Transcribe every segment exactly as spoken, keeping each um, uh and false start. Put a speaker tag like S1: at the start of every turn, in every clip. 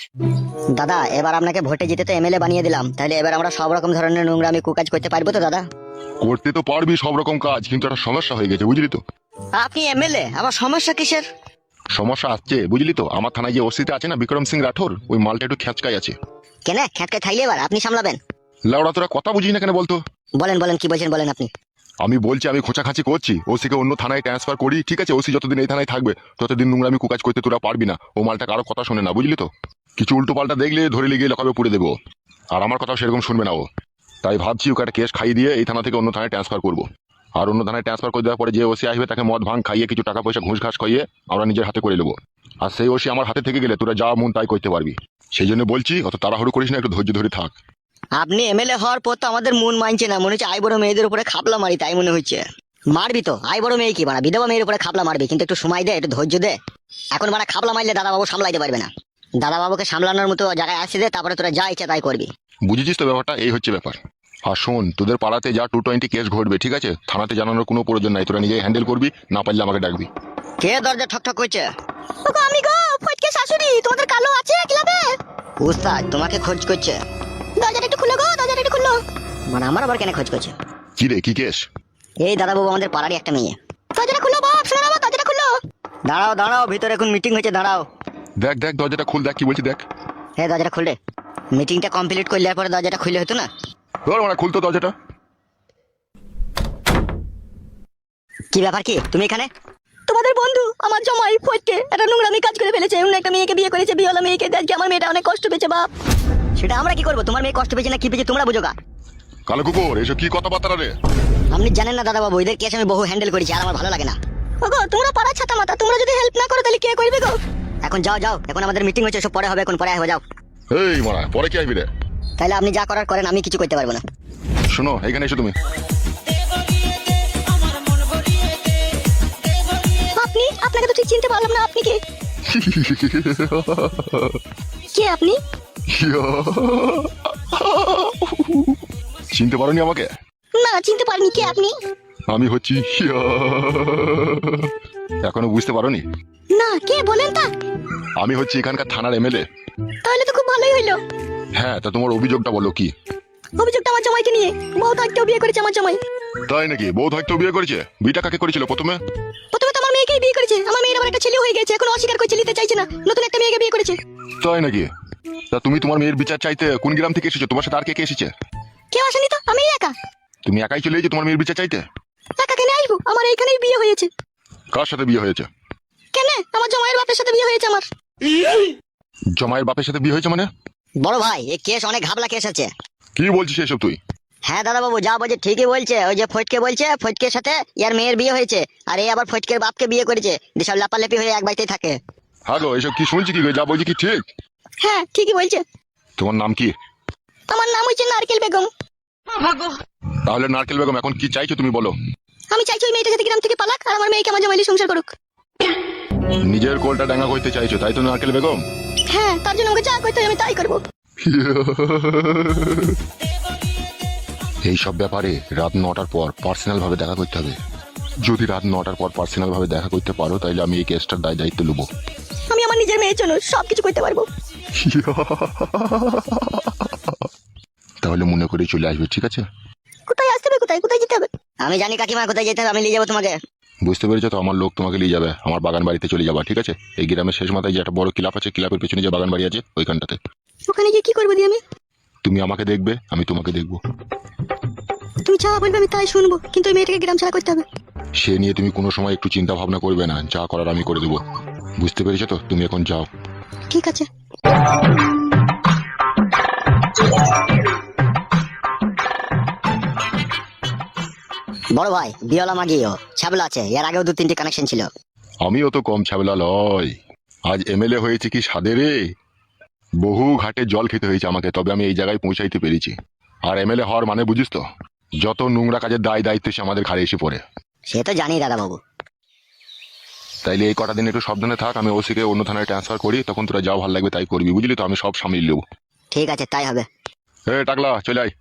S1: দাদা এবার আপনাকে ভোটে জিতে তো এমএলএ বানিয়ে দিলাম, তাহলে এবার আমরা সব রকম ধরনের নোংরামি কুকাজ করতে পারবো তো দাদা?
S2: করতে তো পারবি সব রকম কাজ, কিন্তু একটা সমস্যা হয়ে গেছে বুঝলি তো।
S1: আপনি এমএলএ, আবার সমস্যা কিসের?
S2: সমস্যা আসছে বুঝলি তো, আমার থানায় যে ওসিতে আছে না বিক্রম সিং রাঠোর, ওই মালটা একটু খ্যাচকাই আছে।
S1: কেন খ্যাটকে থাইলে এবার আপনি সামলাবেন?
S2: লাউড়া তোরা কথা বুঝিস না কেন বলতো?
S1: বলেন বলেন কি বলছেন বলেন আপনি।
S2: আমি বলছি আমি খোঁচাখাচি করছি, ওসিকে অন্য থানায় ট্রান্সফার করি, ঠিক আছে? ওসি যতদিন এই থানায় থাকবে ততদিন নোংরামি কুকাজ করতে তোরা পারবি না। ও মালটা কারো কথা শোনে না বুঝলি তো, কিছু উল্টো পাল্টা দেখলে ধরে লিগিয়ে লকাবে পুড়ে দেবো, আর আমার কথাও সেরকম শুনবে না ও। তাই ভাবছি ওকে একটা কেস খাইয়ে দিয়ে এই থানা থেকে অন্য থানায় ট্রান্সফার করবো। আর অন্য থানায় ট্রান্সফার করে দেওয়ার পরে যে ওসি আসবে তাকে মদ ভাঙ খাইয়ে কিছু টাকা পয়সা ঘুষ ঘাস খাইয়ে আমরা নিজের হাতে করে নেবো। আর সেই ওসি আমার হাতে থেকে গেলে তোরা যা মন তাই করতে পারবি। সেই জন্য বলছি অত তাড়াহুড়ো করিস না, একটু ধৈর্য ধরে থাক।
S1: আপনি এমএলএ হওয়ার পর তো আমাদের মন মানছে না, মনে হচ্ছে আই বড় মেয়েদের উপরে খাপলা মারি, তাই মনে হচ্ছে। মারবি তো, আই বড় মেয়ে কি বাড়া, বিধবা মেয়ের উপরে খাপলা মারবি, কিন্তু একটু সময় দে, একটু ধৈর্য দে। এখন বাড়া খাপলা মারলে দাদা বাবু সামলাইতে পারবে না। দাদা বাবুকে সামলানোর মতো জায়গায় আসে দে, তারপরে তোরা যা ইচ্ছা তাই করবি।
S2: বুঝেছিস তো ব্যাপারটা? এই হচ্ছে ব্যাপার। আর শোন, তোদের পাড়াতে যা টু টোয়েন্টি কেস ঘটবে, ঠিক আছে? থানাতে জানানোর কোনো প্রয়োজন নাই, তোরা নিজেই হ্যান্ডেল করবি, না পারলে আমাকে ডাকবি।
S1: কে দরজা ঠক ঠক করছে? ওগো আমি গো, ফটকে শাশুড়ি, তোমাদের কালো আছে ক্লাবে? উস্তাদ তোমাকে খোঁজ করছে। দরজাটা একটু খুলো গো, দরজাটা একটু খুলো। মানে আমার আবার কেন খোঁজ করছে?
S2: কি রে, কি কেস?
S1: এই দাদা বাবু আমাদের পাড়ারই একটা মেয়ে। দরজাটা খুলো বাপ, শোনো বাবা, দরজাটা খুলো। দাঁড়াও দাঁড়াও, ভিতরে এখন মিটিং হয়েছে, দাঁড়াও।
S2: দেখ দেখ দরজাটা খুল, দেখ কি বলছি দেখ।
S1: হ্যাঁ দরজাটা খুলে, মিটিংটা কমপ্লিট করলে পরে দরজাটা খুলে হতো না?
S2: ধর মানে খুলতো দরজাটা।
S1: কি ব্যাপার, কি তুমি এখানে? তোমাদের বন্ধু আমার জামাই ফটকে একটা নোংরামি কাজ করে ফেলেছে, অন্য একটা মেয়েকে বিয়ে করেছে, বিয়েওয়ালা মেয়েকে। আজকে আমার মেয়েটা অনেক কষ্ট পেয়েছে বাপ। সেটা আমরা কি করবো? তোমার মেয়ে কষ্ট পেয়েছে না কি পেয়েছে তোমরা বুঝো গা।
S2: কালো কুকুর, এসব কি কথাবার্তা রে?
S1: আপনি জানেন না দাদা বাবু, এদের কেস আমি বহু হ্যান্ডেল করেছি, আর আমার ভালো লাগে না। ওগো তোমরা পাড়া ছাতা মাতা, তোমরা যদি হেল্প না করো তাহলে কে করবে গো? এখন যাও যাও, এখন আমাদের মিটিং হচ্ছে, সব পরে হবে, এখন পরে আসবে, যাও।
S2: এই মারা, পরে কি আসবি রে?
S1: তাহলে আপনি যা করার করেন, আমি কিছু করতে পারবো না।
S2: শোনো, এখানে এসো তুমি।
S1: আপনি, আপনাকে তো ঠিক চিনতে পারলাম না, আপনি কে? কে আপনি?
S2: চিনতে পারোনি আমাকে?
S1: না চিনতে পারিনি, কে আপনি?
S2: আমি হচ্ছি। এখনো বুঝতে পারোনি?
S1: না, কে বলেন তা?
S2: আমি হচ্ছি এখানকার থানার এমএলএ।
S1: তাহলে তো খুব ভালোই হইলো।
S2: হ্যাঁ, তা তোমার অভিযোগটা বলো কি?
S1: অভিযোগটা আমার জামাইকে নিয়ে। বউ তো আজকেও বিয়ে করেছে আমার জামাই।
S2: তাই নাকি? বউ হয়তো বিয়ে করেছে? বিয়েটা কাকে করেছিল প্রথমে?
S1: প্রথমে তো আমার মেয়েকেই বিয়ে করেছে। আমার মেয়ের আবার একটা ছেলে হয়ে গেছে, এখন অস্বীকার করছে, নিতে চাইছে না, নতুন একটা মেয়েকে বিয়ে করেছে।
S2: তাই নাকি? তা তুমি তোমার মেয়ের বিচার চাইতে কোন গ্রাম থেকে এসেছো? তোমার সাথে আর কে কে এসেছে?
S1: কেউ আসেনি তো, আমি একা।
S2: তুমি একাই চলে এসেছো তোমার মেয়ের বিচার চাইতে?
S1: একা কেন আসবো? আমার এইখানেই বিয়ে হয়েছে।
S2: কার সাথে বিয়ে হয়েছে?
S1: কেন? আমার জামাইয়ের বাপের সাথে বিয়ে হয়েছে আমার।
S2: জমায়ের বাপের সাথে বিয়ে হয়েছে মানে?
S1: বড় ভাই, এই কেস অনেক ঘাবলা কেস আছে।
S2: কি বলছিস এসব তুই?
S1: হ্যাঁ দাদা বাবু, যা বলছে ঠিকই বলছে। ওই যে ফটকে বলছে ফটকের সাথে ইয়ার মেয়ের বিয়ে হয়েছে, আর এই আবার ফটকের বাপকে বিয়ে করেছে, যেসব লাপালাপি হয়ে এক বাড়িতেই থাকে।
S2: হ্যাঁ গো, এসব কি শুনছি? কি গো, যা বলছি কি ঠিক?
S1: হ্যাঁ ঠিকই বলছে।
S2: তোমার নাম কি?
S1: আমার নাম হচ্ছে নারকেল বেগম।
S2: তাহলে নারকেল বেগম, এখন কি চাইছো তুমি বলো?
S1: আমি চাইছি ওই মেয়েটা যাতে গ্রাম থেকে পালাক, আর আমার মেয়েকে আমার জামাইলি সংসার করুক।
S2: নিজের কোলটা ডাঙ্গা করতে চাইছো, তাই তো নারকেল বেগম?
S1: হ্যাঁ, তার জন্য আমাকে যা করতে হয় আমি তাই করবো।
S2: এই সব ব্যাপারে রাত নটার পর পার্সোনাল ভাবে দেখা করতে হবে। যদি রাত নটার পর পার্সোনাল ভাবে দেখা করতে পারো, তাহলে আমি এই কেসটার দায় দায়িত্ব নেবো।
S1: আমি আমার নিজের মেয়ের জন্য সবকিছু করতে পারবো।
S2: তাহলে মনে করে চলে আসবে, ঠিক আছে?
S1: কোথায় আসতে হবে, কোথায় কোথায় যেতে হবে? আমি জানি কাকিমা কোথায় যেতে হবে, আমি নিয়ে যাবো তোমাকে।
S2: বুঝতে পেরেছো তো? আমার লোক তোমাকে নিয়ে যাবে আমার বাগান বাড়িতে চলে যাবা, ঠিক আছে? এই গ্রামের শেষ মাথায় যে একটা বড় ক্লাব আছে, ক্লাবের পেছনে যে বাগান বাড়ি আছে ওইখানটাতে।
S1: ওখানে গিয়ে কি করবো দিয়ে আমি?
S2: তুমি আমাকে দেখবে, আমি তোমাকে দেখবো।
S1: তুমি যা বলবে আমি তাই শুনবো, কিন্তু ওই মেয়েটাকে গ্রাম ছাড়া করতে হবে।
S2: সে নিয়ে তুমি কোনো সময় একটু চিন্তা ভাবনা করবে না, যা করার আমি করে দেবো। বুঝতে পেরেছো তো? তুমি এখন যাও।
S1: ঠিক আছে। বড় ভাই, বিয়লা মাগিও ছাবলা আছে, এর আগেও দু তিনটি কানেকশন ছিল।
S2: আমিও তো কম ছাবেলা লয়। আজ এমএলএ হয়েছে কি সাদে রে। বহু ঘাটে জল খেতে হয়েছে আমাকে, তবে আমি এই জায়গায় পৌঁছাইতে পেরেছি। আর এমএলএ হওয়ার মানে বুঝিস তো, যত নোংরা কাজের দায় দায়িত্ব সে আমাদের ঘাড়ে এসে পড়ে।
S1: সে তো জানি দাদা বাবু।
S2: তাইলে এই কটা দিন একটু সাবধানে থাক, আমি ওসিকে অন্য থানায় ট্রান্সফার করি, তখন তোরা যাও ভালো লাগবে তাই করবি, বুঝলি তো? আমি সব সামলিয়ে নেবো।
S1: ঠিক আছে, তাই হবে।
S2: এ টাকলা, চলে আয়।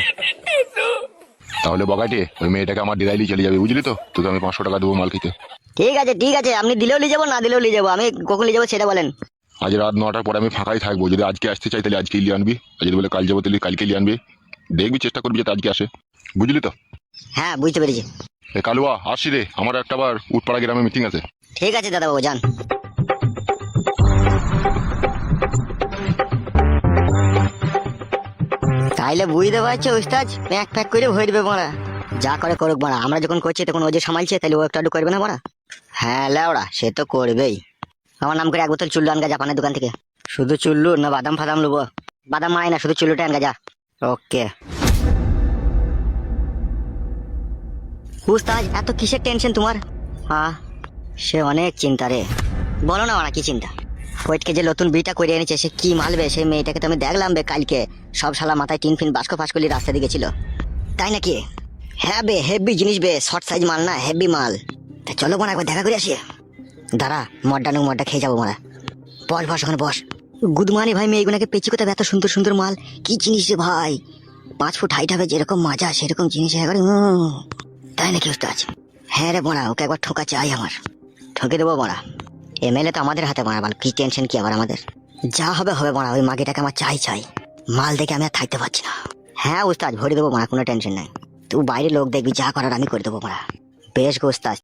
S2: তাহলে বগাটে ওই মেয়েটাকে আমার ডিরাইলি চলে যাবে, বুঝলি তো? তোকে আমি পাঁচশো টাকা দেবো মাল খেতে।
S1: ঠিক আছে ঠিক আছে, আপনি দিলেও নিয়ে যাবো, না দিলেও নিয়ে যাবো। আমি কখন নিয়ে যাবো সেটা বলেন।
S2: আজ রাত নটার পরে আমি ফাঁকাই থাকবো। যদি আজকে আসতে চাই তাহলে আজকে লিয়ে আনবি, আর যদি বলে কাল যাবো তাহলে কালকে লিয়ে আনবি। দেখবি, চেষ্টা করবি যাতে আজকে আসে, বুঝলি তো?
S1: হ্যাঁ বুঝতে পেরেছি।
S2: এ কালুয়া আসি রে, আমার একটা আবার উঠপাড়া গ্রামে মিটিং আছে।
S1: ঠিক আছে দাদা বাবু, যান। তাইলে বুঝতে পারছো উস্তাদ, প্যাক প্যাক করে ভরে দেবে মারা। যা করে করুক মারা, আমরা যখন করছি তখন ও যে সামালছে, তাহলে ও একটু আধটু করবে না মারা? হ্যাঁ লেওড়া, সে তো করবেই। আমার নাম করে এক বোতল চুল্লু আনগা জাপানের দোকান থেকে। শুধু চুল্লু না বাদাম ফাদাম নেবো? বাদাম মাই না, শুধু চুল্লুটা আনগা যা। ওকে উস্তাদ, এত কিসের টেনশন তোমার? হ্যাঁ সে অনেক চিন্তা রে। বলো না মারা, কি চিন্তা? ওয়েটকে যে নতুন বিটা করে এনেছে, সে কি মালবে? সেই মেয়েটাকে তো আমি দেখলাম বে কালকে, সব শালা মাথায় টিন ফিন বাস্কো ফাস্কলি রাস্তা দিকে ছিল। তাই নাকি? হ্যাঁ বে, হেভি জিনিস বে, শর্ট সাইজ মাল না, হেভি মাল। তা চলো বোন একবার দেখা করে আসি। দাঁড়া, মডটা নুক মডটা খেয়ে যাবো মারা। বস বস ওখানে বস। গুদমানি ভাই, মেয়েগুলোকে পেঁচি কোথায় এত সুন্দর সুন্দর মাল, কি জিনিস রে ভাই! পাঁচ ফুট হাইট হবে, যেরকম মাজা সেরকম জিনিস একবারে। উম, তাই নাকি উস্তাদ? হ্যাঁ রে বোনা, ওকে একবার ঠোকা চাই আমার। ঠকে দেবো বোনা। এমএলএ তো আমাদের হাতে মারা, কি টেনশন কি আবার আমাদের? যা হবে হবে মারা, ওই মাগিটাকে আমার চাই চাই। মাল দেখে আমি আর থাকতে পারছি না। হ্যাঁ উস্তাদ, ভরে দেবো মারা, কোনো টেনশন নাই। তুই বাইরে লোক দেখবি, যা করার আমি করে দেবো মারা। বেশ গো উস্তাদ,